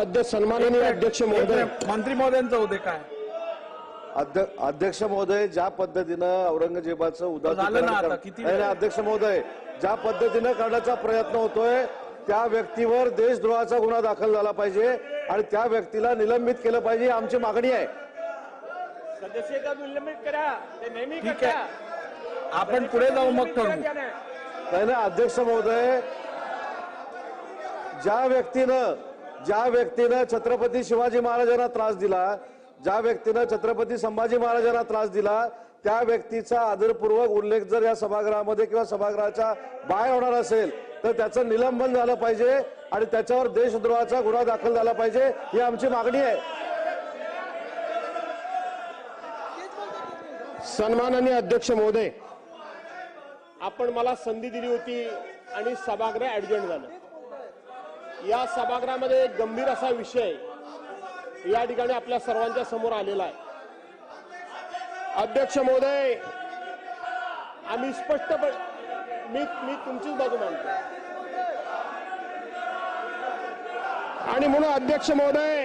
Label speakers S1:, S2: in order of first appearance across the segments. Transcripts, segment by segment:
S1: अध्यक्ष सन्माननीय अध्यक्ष महोदय,
S2: मंत्री महोदयांचं होते काय
S3: अध्यक्ष महोदय, ज्या पद्धतीनं औरंगजेबाचं
S2: झालं ना आता किती
S3: नाही, अध्यक्ष महोदय, ज्या पद्धतीनं करण्याचा प्रयत्न होतोय त्या व्यक्तीवर देशद्रोहाचा गुन्हा दाखल झाला पाहिजे आणि त्या व्यक्तीला निलंबित केलं पाहिजे, आमची मागणी आहे.
S1: सदस्यता निलंबित करा, ते नेहमी
S2: ठीक आहे, आपण पुढे जाऊ मग ठरवू.
S3: नाही ना अध्यक्ष महोदय, ज्या व्यक्तीनं छत्रपती शिवाजी महाराजांना त्रास दिला, ज्या व्यक्तीनं छत्रपती संभाजी महाराजांना त्रास दिला, त्या व्यक्तीचा आदरपूर्वक उल्लेख जर या सभागृहामध्ये किंवा सभागृहाच्या बाहेर होणार असेल तर त्याचं निलंबन झालं पाहिजे आणि त्याच्यावर देशद्रोहाचा गुन्हा दाखल झाला पाहिजे, ही आमची मागणी आहे.
S1: सन्माननीय अध्यक्ष महोदय, आपण मला संधी दिली होती आणि सभागृह ऍडजॉर्न झालं. या सभागृहामध्ये एक गंभीर असा विषय या ठिकाणी आपल्या सर्वांच्या समोर आलेला आहे. अध्यक्ष महोदय, आम्ही स्पष्टपणे मी तुमचीच बाजू मांडतो आणि म्हणून अध्यक्ष महोदय,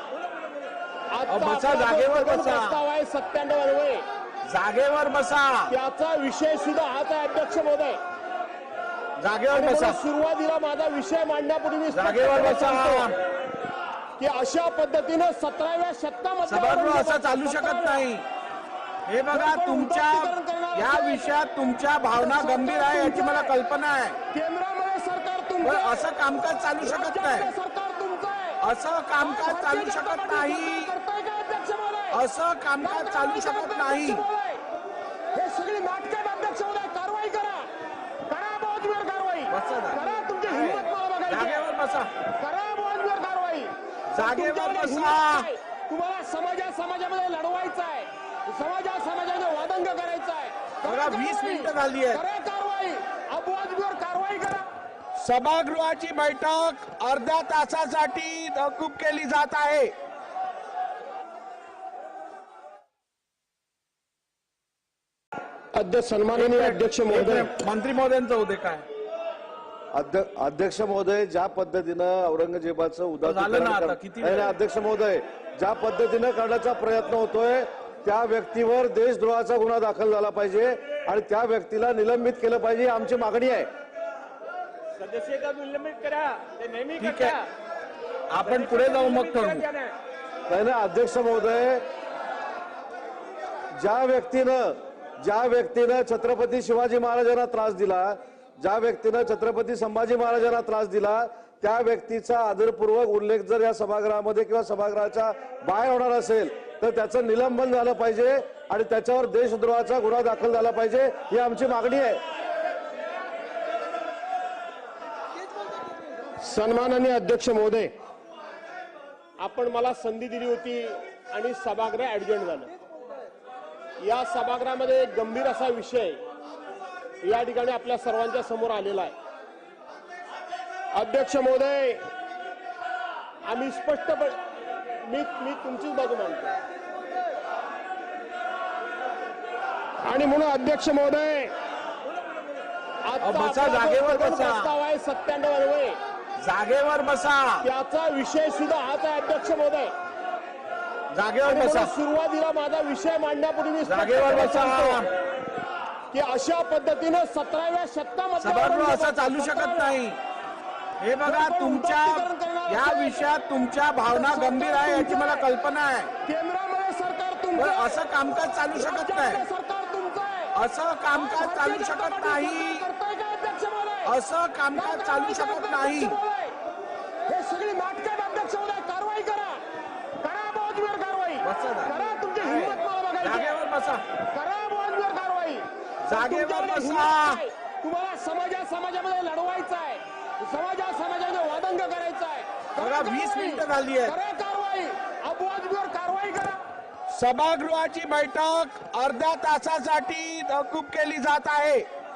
S2: बसा, जागेवर बसा.
S1: प्रस्ताव आहे 97 अन्वये,
S2: जागेवर बसा,
S1: त्याचा विषय सुद्धा हाच आहे. अध्यक्ष महोदय,
S2: जागेवर बसा,
S1: सुरुवातीला माझा विषय मांडण्यापूर्वी मी
S2: जागेवर बसा.
S1: की अशा पद्धतीनं 17व्या शतकामध्ये
S2: सभागृह असं चालू शकत नाही. हे बघा, तुमच्या या विषयात तुमच्या भावना गंभीर आहे याची मला कल्पना आहे.
S1: केंद्रामध्ये सरकार
S2: पण
S1: तुमचं,
S2: असं कामकाज चालू शकत नाही.
S1: सरकार तुमचं आहे.
S2: असं कामकाज चालू शकत नाही.
S1: करताय का अध्यक्ष महोदय?
S2: असं कामकाज चालू शकत नाही.
S1: हे सगळी नाटकं अध्यक्ष महोदय, कारवाई करा, करा बहुजबीर कारवाई करा. तुमची हिंमत मला बघायची.
S2: जागेवर बसा,
S1: करा बहुजबीर कारवाई.
S2: जागेवर बसा.
S1: तुम्हाला समाजामध्ये लढवायचं आहे, समाजामध्ये वादंग करायचं आहे.
S2: बघा, 20 मिनिटं झाली आहे.
S1: करा कारवाई, बहुजबीर कारवाई करा.
S2: सभागृहाची बैठक अर्ध्या तासासाठी तहकूब केली जात आहे.
S1: अध्यक्ष सन्माननीय अध्यक्ष महोदय,
S2: मंत्री महोदयांचं होते काय
S3: अध्यक्ष महोदय, ज्या पद्धतीनं औरंगजेबाचं
S2: झालं ना आता किती
S3: नाही, अध्यक्ष महोदय, ज्या पद्धतीनं करण्याचा प्रयत्न होतोय त्या व्यक्तीवर देशद्रोहाचा गुन्हा दाखल झाला पाहिजे आणि त्या व्यक्तीला निलंबित केलं पाहिजे, आमची मागणी आहे.
S1: सदस्यता निलंबित करा, ते नेहमी
S2: ठीक आहे, आपण पुढे जाऊ मग ठरवू.
S3: नाही ना अध्यक्ष महोदय, ज्या व्यक्तीनं छत्रपती शिवाजी महाराजांना त्रास दिला, ज्या व्यक्तीनं छत्रपती संभाजी महाराजांना त्रास दिला, त्या व्यक्तीचा आदरपूर्वक उल्लेख जर या सभागृहामध्ये किंवा सभागृहाच्या बाहेर होणार असेल तर त्याचं निलंबन झालं पाहिजे आणि त्याच्यावर देशद्रोहाचा गुन्हा दाखल झाला पाहिजे, ही आमची मागणी आहे.
S1: सन्माननीय अध्यक्ष महोदय, आपण मला संधी दिली होती आणि सभागृह ऍडजॉर्न झालं. या सभागृहामध्ये एक गंभीर असा विषय या ठिकाणी आपल्या सर्वांच्या समोर आलेला आहे. अध्यक्ष महोदय, आम्ही स्पष्टपणे मी तुमचीच बाजू मांडतो आणि म्हणून अध्यक्ष महोदय,
S2: बसा, जागेवर बसा.
S1: प्रस्ताव आहे 97 अन्वये,
S2: जागेवर बसा,
S1: त्याचा विषय सुद्धा हाच आहे. अध्यक्ष महोदय,
S2: जागेवर बसा,
S1: सुरुवातीला माझा विषय मांडण्यापूर्वी मी
S2: जागेवर बसा.
S1: की अशा पद्धतीनं 17व्या शतकामध्ये
S2: सभागृह असं चालू शकत नाही. हे बघा, तुमच्या या विषयात तुमच्या भावना गंभीर आहे याची मला कल्पना आहे.
S1: केंद्रामध्ये सरकार
S2: पण
S1: तुमचं,
S2: असं कामकाज चालू शकत नाही.
S1: सरकार तुमचं आहे.
S2: असं कामकाज चालू शकत नाही.
S1: करताय का अध्यक्ष महोदय?
S2: असं कामकाज चालू शकत नाही.
S1: हे सगळी नाटकं अध्यक्ष महोदय, कारवाई करा, करा बहुजबीर कारवाई करा. तुमची हिंमत मला बघायची.
S2: जागेवर बसा,
S1: करा बहुजबीर कारवाई.
S2: जागेवर बसा.
S1: तुम्हाला समाजामध्ये लढवायचं आहे, समाजामध्ये वादंग करायचं आहे.
S2: बघा, 20 मिनिटं झाली आहे.
S1: करा कारवाई, बहुजबीर कारवाई करा.
S2: सभागृहाची बैठक अर्ध्या तासासाठी तहकूब केली जात आहे.